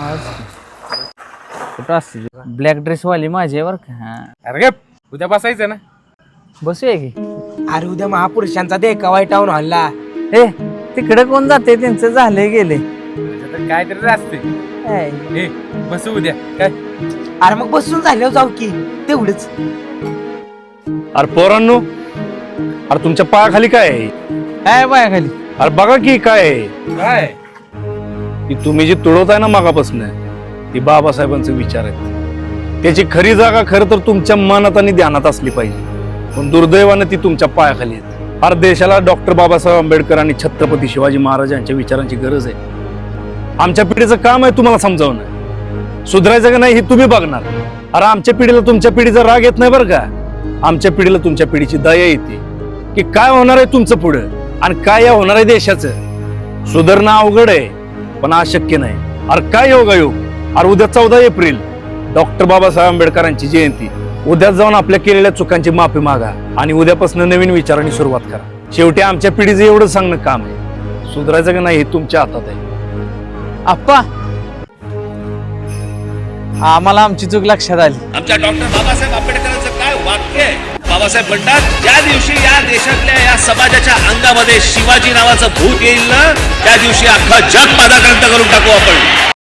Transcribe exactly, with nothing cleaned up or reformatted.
कुठं असते black dress वाली माझी आहे बरं का. हा अरे उद्या बसायचं ना. बसूया की. अरे उद्या महापुरुषांचा देखावा टाऊन हॉलला. ए तिकडे कोण जाते त्यांचं झाले गेले. काय तरी असते. ए बसू उद्या काय. अरे मग बसून झाल्यावर जाऊ की तेवढंच. अरे पोरांनो, अरे तुमच्या पायाखाली काय आहे? काय बाया खाली. अरे बघा की काय आहे? काय की तुम्ही जी तुडवताय ना मागापासून ती बाबासाहेबांचे विचार आहेत. त्याची खरी जागा खरं तर तुमच्या मनात आणि ध्यानात असली पाहिजे, पण दुर्दैवानं ती तुमच्या पायाखाली आहेत. फार देशाला डॉक्टर बाबासाहेब आंबेडकर आणि छत्रपती शिवाजी महाराज यांच्या विचारांची गरज आहे. आमच्या पिढीचं काम आहे तुम्हाला समजावणं. सुधारायचं का नाही हे तुम्ही बघणार. अरे आमच्या पिढीला तुमच्या पिढीचा राग येत नाही बरं का. आमच्या पिढीला तुमच्या पिढीची दया येते की काय होणार आहे तुमचं पुढं आणि काय या होणार आहे देशाचं. सुधारणं अवघड आहे पण अशक्य नाही. अरे काय योगायोग. अरे उद्या चौदा एप्रिल डॉक्टर बाबासाहेब आंबेडकरांची जयंती. उद्या जाऊन आपल्या केलेल्या चुकांची माफी मागा आणि उद्यापासून नवीन विचारांनी सुरुवात करा. शेवटी आमच्या पिढीचं एवढं सांगणं काम आहे. सुधारायचं का नाही हे तुमच्या हातात आहे. आप्पा आम्हाला आमची चूक लक्षात आली. आमच्या डॉक्टर बाबासाहेब आंबेडकरांचं काय वाक्य आहे. बाबासाहेब म्हणतात ज्या दिवशी या देशातल्या या समाजाच्या अंगामध्ये शिवाजी नावाचं भूत येईल ना त्या दिवशी अख्खा जग पादाक्रांत करून टाकू आपण.